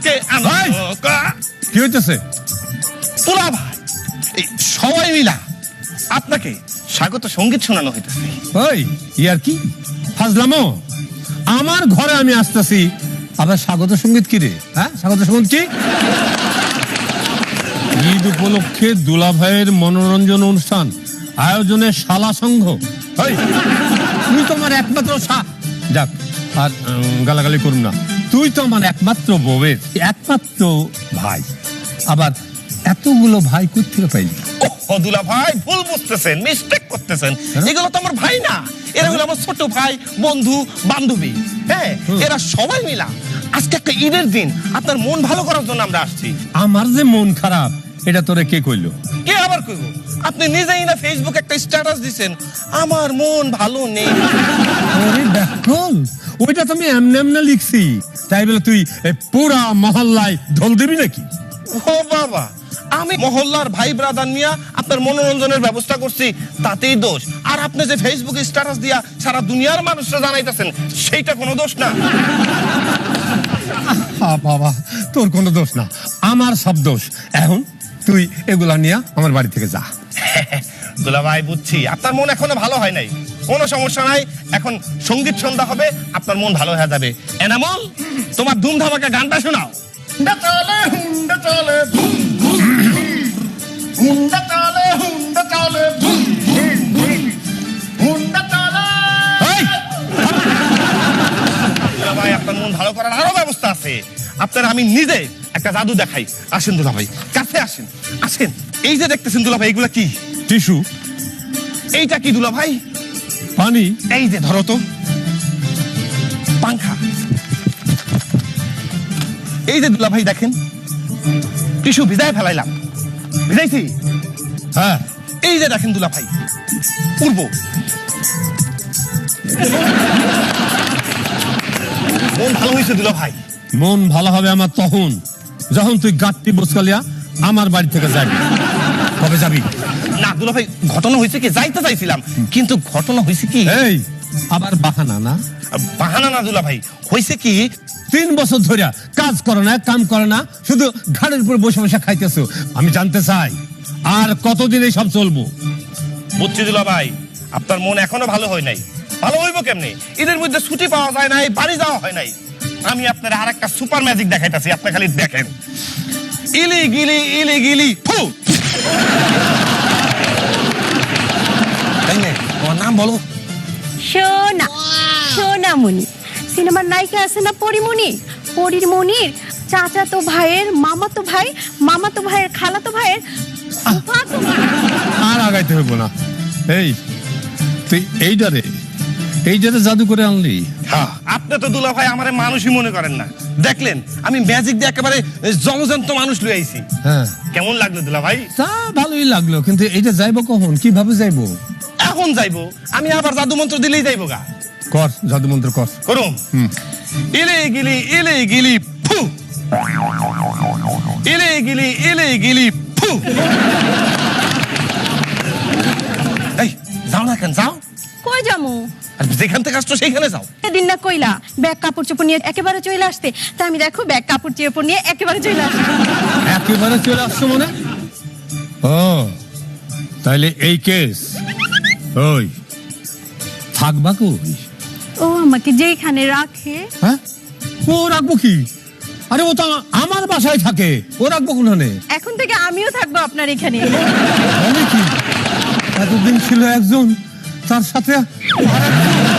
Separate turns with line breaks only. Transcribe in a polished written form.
আজকে
কি হইতেছে?
দুলা ভাই এই সবাই মিলা আপনাকে স্বাগত সঙ্গীত শোনানো হইতেছে।
ওই ইয়ার কি ফাজলামো? আমার ঘরে আমি আসতেছি, আবার স্বাগত সঙ্গীত কি রে? হ্যাঁ, স্বাগত সঙ্গীত কি? ঈদ উপলক্ষে দুলা ভাইয়ের মনোরঞ্জন অনুষ্ঠান আয়োজনে শালা সংঘ। তুই তো আমার একমাত্র যাক আর গালাগালি করুন না, তুই তো আমার একমাত্র বউয়ের একমাত্র ভাই, আবার এতগুলো ভাই কোথা থেকে পাইলি?
ও দুলা ভাই ভুল বুঝতেছেন, মিস্টেক করতেছেন। এগুলো তো আমার ভাই না, এরা হলো আমার ছোট ভাই, বন্ধু, বান্ধবী। হ্যাঁ, এরা সবাই মিলা আজকে একটা ঈদের দিন আপনার মন ভালো করার জন্য আমরা আসছি।
আমার যে মন খারাপ এটা তোরে কে কইলো?
কে আবার কইবো? আপনি নিজেই না ফেসবুকে একটা স্ট্যাটাস দিছেন, আমার মন ভালো নেই।
ওরে দেখল, ওইটা তো আমি এমনি এমনি লিখছি, তাই বলে তুই পুরা মহল্লায় ঢোল দিবি নাকি?
ও বাবা, আমি মহল্লার ভাই ব্রাদার নিয়ে আপনার মনোরঞ্জনের ব্যবস্থা করছি, তাতেই দোষ? আর আপনি যে ফেসবুকে স্ট্যাটাস দিয়া সারা দুনিয়ার মানুষরা জানাইতেছেন, সেইটা কোনো দোষ না?
বাবা, তোর কোনো দোষ না, আমার সব দোষ। এখন তুই এগুলা নিয়ে আমার বাড়ি থেকে যা।
দুলা ভাই বুঝছি আপনার মন এখনো ভালো হয় নাই, কোনো সমস্যা নাই। এখন সঙ্গীত সন্ধ্যা হবে, আপনার মন ভালো হয়ে যাবে। এনামল, তোমার ধুম ধামাকা গানটা শোনাও। হুন্ডা চলে, হুন্ডা চলে, হুন্ডা চলে, হুন্ডা চলে, হুন্ডা চলে। দুলা ভাই, আপনার মন ভালো করার আরো ব্যবস্থা আছে। আপনার আমি নিজে একটা জাদু দেখাই। আসেন দুলা ভাই, কাছে আসেন, আসেন। এই যে দেখতেছেন দুলা ভাই, এগুলা কি?
টিস্যু।
এইটা কি দুলা ভাই?
পানি।
এই যে ধরো তো, পাংখা। এই যে দুলা ভাই দেখেন, টিস্যু ভিজায় ফেলাইলাম, ভিজাইছি।
হ্যাঁ,
এই যে দেখেন দুলা ভাই, পূর্ব। মন ভালো হয়েছে দুলা ভাই।
মন ভালো হবে আমার তখন যখন তুই গাঁটটি বসকালিয়া আমার বাড়ি থেকে যাবি। কবে যাবি?
না দুলা ভাই, ঘটনা হয়েছে কি, যাইতে চাইছিলাম, কিন্তু ঘটনা হয়েছে কি।
এই আবার বাহানা না?
বাহানা না দুলা ভাই, হয়েছে কি,
3 বছর ধরে কাজ করে না, কাম করে না, শুধু ঘাড়ের উপর বসে বসে খাইতেছো। আমি জানতে চাই আর কতদিন এই সব চলবো?
বুঝছি দুলা ভাই, আপনার মন এখনো ভালো হয় নাই। ভালো হইব কেমনে? ঈদের মধ্যে ছুটি পাওয়া যায় নাই, বাড়ি যাওয়া হয় নাই। আমি আপনার আর একটা সুপার ম্যাজিক দেখাইতেছি, আপনি খালি দেখেন। ইলি গিলি ইলি গিলি ফু। তোমার নাম বলো?
সোনা, সোনামণি। সিনেমার নায়িকা আছে না পরিমণি? পরির মনির চাচাতো ভাইয়ের মামাতো ভাই, মামাতো ভাইয়ের খালাতো ভাইয়ের ফুফাতো ভাই।
আর আগাইতে হইব না। এই তুই এইটারে জাদু করে আনলি?
হ্যাঁ, আপনি তো দুলা ভাই আমারে মানুষই মনে করেন না। দেখলেন আমি ম্যাজিক দিয়ে একেবারে জলজন্ত মানুষ লই আইছি।
হ্যাঁ,
কেমন লাগলো দুলা ভাই?
তা ভালোই লাগলো, কিন্তু এইটা যাইবো কখন, কিভাবে যাইবো?
এখন যাইবো, আমি আবার জাদু মন্ত্র দিলেই যাইবো গা।
কর, জাদু মন্ত্র কর।
করুন। ইলে গিলি ফু। ইলে গিলি ফু। এই যাও না কেন, যাও।
কই যামু?
আর যেখান থেকে আসছো সেইখানে যাও।
এদিন না কইলা ব্যাগ কাপড় চোপড় নিয়ে একেবারে চলে আসতে, তাই আমি দেখো ব্যাগ কাপড় চোপড় নিয়ে একেবারে চলে আসছি।
একেবারে চলে আসছো মানে? ও তাইলে এই কেস। ওই থাকবা কই?
ও আমাকে যেখানে রাখে।
হ্যাঁ, ও রাখবো কি? আরে ও তো আমার বাসায় থাকে, ও রাখবো কোনখানে?
এখন থেকে আমিও থাকবো আপনার এখানে।
বলে কি, এতদিন ছিল একজন, তার সাথে আরেকজন।